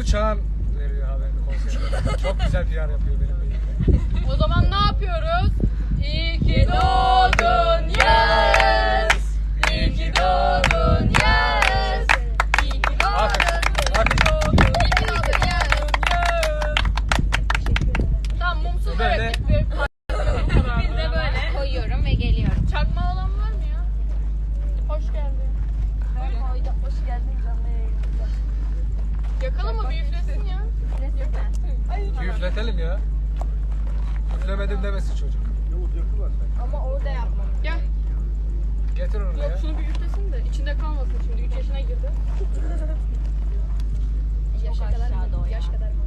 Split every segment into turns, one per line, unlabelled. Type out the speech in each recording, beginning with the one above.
Çağan veriyor haberini konserde. Çok güzel PR yapıyor benim beyim.
O zaman ne yapıyoruz? İyi ki doğdun yes. İyi ki doğdun yes. İyi ki doğdun. İyi ki doğdun yes. Tamam mumsuz
Böyle.
böyle bitti. Biz de böyle
Koyuyorum ve geliyorum.
çakma olan var mı ya? Hoş geldin.
Hoş geldin canlı yayınımıza.
Yakalım mı bir üflesin ya?
Bir üfletelim ya. Üflemedim demesin çocuk.
Ama orada yapmam.
Gel.
Getir onu
Yok
ya.
şunu bir üflesin de içinde kalmasın şimdi 3 yaşına girdi.
Yaşa kadar mı? Yaş kadar mı?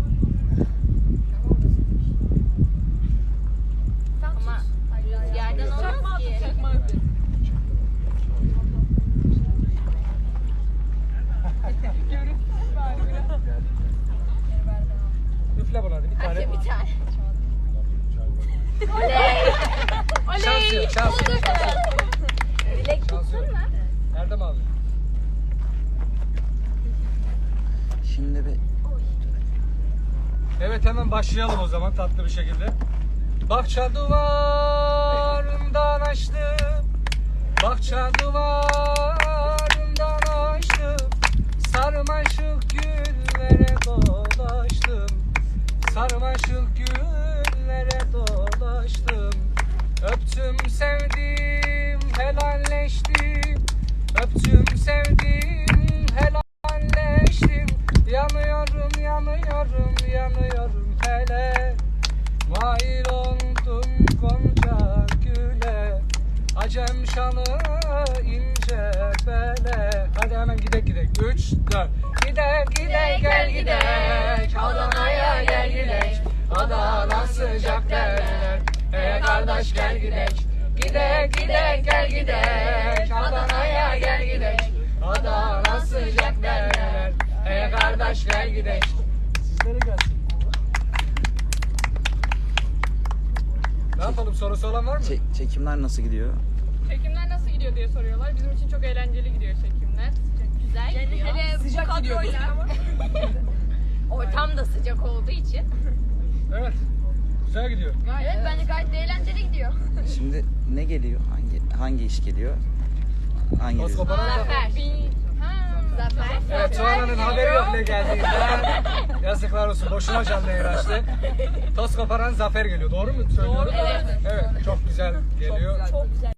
Ama rüzgardan olmaz ki.
Çakma üfle.
Üfle buna hadi bir tane.
Bir tane.
Şans yok, şans yok.
Dilek
Şans yok. Nerede mi aldın?
Şimdi bir
Evet hemen başlayalım o zaman tatlı bir şekilde. Bahçe duvarından açtım. Bahçe duvarından açtım. Sarmaşık güllere dolaştım. Sarmaşık güllere dolaştım. Öptüm sevdim helalleştim. Öptüm sevdim helalleştim. Yanıyorum yanıyorum yanıyorum hele. Mail oldum gonca güle. Acem şanı ince bele. Hadi hemen gidek. 3, 4. Gidek gel gidek. Adana'ya gel gidek. Adana sıcak derler. Hey kardeş gel gidek. Gidek gel gidek. Adana'ya gel gidek. Adana sıcak derler. Hey kardeş gel gidek. Sizlere gelsin. Ne yapalım, sorusu olan var mı?
çekimler nasıl gidiyor?
Çekimler nasıl gidiyor diye soruyorlar. Bizim için çok eğlenceli gidiyor çekimler.
Güzel gidiyor.
Hele sıcak gidiyor.
Ortam da sıcak olduğu için.
Evet. Güzel gidiyor.
Evet bence gayet de eğlenceli gidiyor.
Şimdi ne geliyor? Hangi iş geliyor? Hangi
Toz
dizi?
koparan da...
Zafer. Zafer.
Evet, Tuana'nın haberi yok ne geldiğinden. Yazıklar olsun, boşuna canlı yayın açtı. Toz koparan Zafer geliyor, doğru mu söylüyorum?
Evet.
Evet, çok güzel geliyor.
Çok güzel.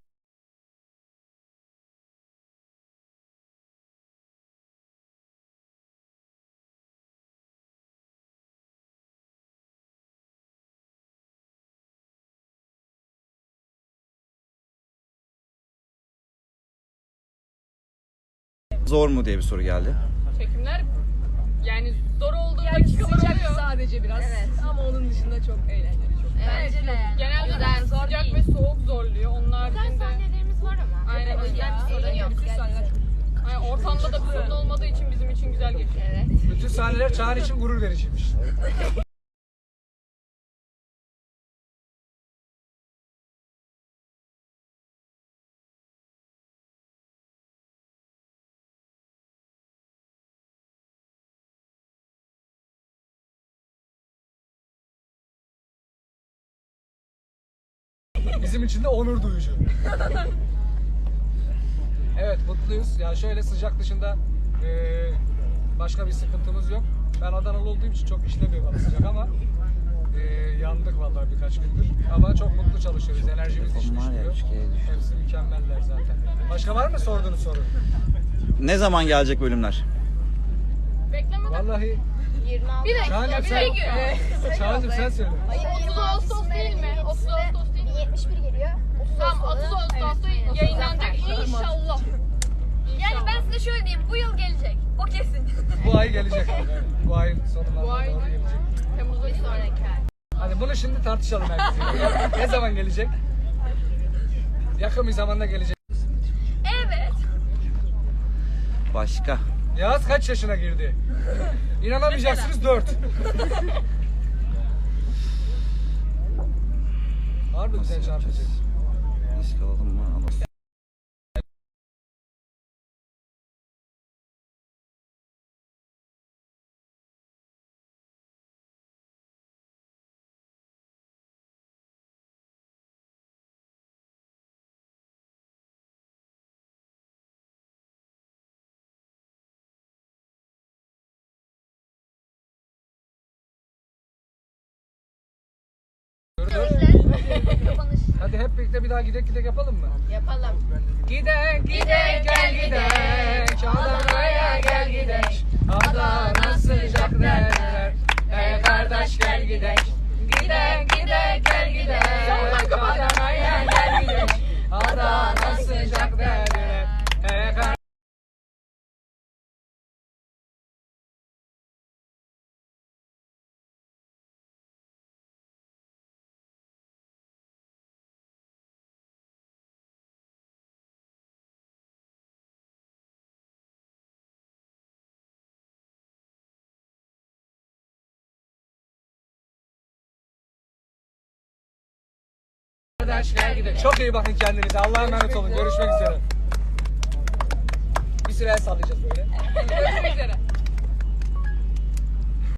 Zor mu diye bir soru geldi.
Çekimler yani zor olduğu dakikalar oluyor.
Sadece biraz.
Evet.
Ama onun dışında çok eğlenceli. Çok.
Bence de yani.
Genelde
Güzel, zor
sıcak
değil.
ve soğuk zorluyor. Onun
Güzel
haricinde
sahnelerimiz var ama.
Aynen,
O yüzden bir sorun yok.
Bütün sahneler çok
yani ortamda da bir sorun olmadığı için bizim için güzel geçiyor.
Evet.
Bütün sahneler Çağan için gurur vericiymiş. Bizim için de onur duyucu. Evet, mutluyuz. Ya şöyle sıcak dışında başka bir sıkıntımız yok. Ben Adanalı olduğum için çok işlemiyor bana sıcak ama yandık vallahi birkaç gündür. Ama çok mutlu çalışıyoruz. Enerjimiz hiç
Var ya,
düşmüyor.
3G'ye düştü.
Hepsi mükemmeller zaten. Başka var mı sorduğunuz soru?
Ne zaman gelecek bölümler?
Beklemeden
Vallahi
26.
bir
Çağan'cım
dakika, bir
sen,
dakika.
Çağan'cım sen söyle.
30 Ağustos değil mi? 30 Ağustos değil mi?
71 geliyor.
Tamam 30 Ağustos'ta yayınlanacak inşallah.
Yani ben size şöyle diyeyim. Bu yıl gelecek. O kesin.
Bu ay gelecek. Evet, bu ayın sonuna
Bu ay
doğru gelecek.
Temmuz'da
Bir sonraki ay.
Hadi bunu şimdi tartışalım herkese. Ne zaman gelecek? Yakın bir zamanda gelecek.
Evet.
Başka?
Yağız kaç yaşına girdi? İnanamayacaksınız 4. Harbi güzel çarpıcı.
Risk alalım mı? Alalım.
Kapanış.
Hadi hep birlikte bir daha gidek yapalım mı?
Yapalım.
Gidek gel gidek Adana'ya gel gidek Adana sıcak derler Ey kardeş gel gidek Gidek gel gidek Adana'ya gel gidek Adana sıcak derler Ey kardeş gel gidek. Çok iyi bakın kendinize. Allah'a emanet olun. Görüşmek üzere. Bir süre el sallayacağız böyle.
Görüşmek üzere.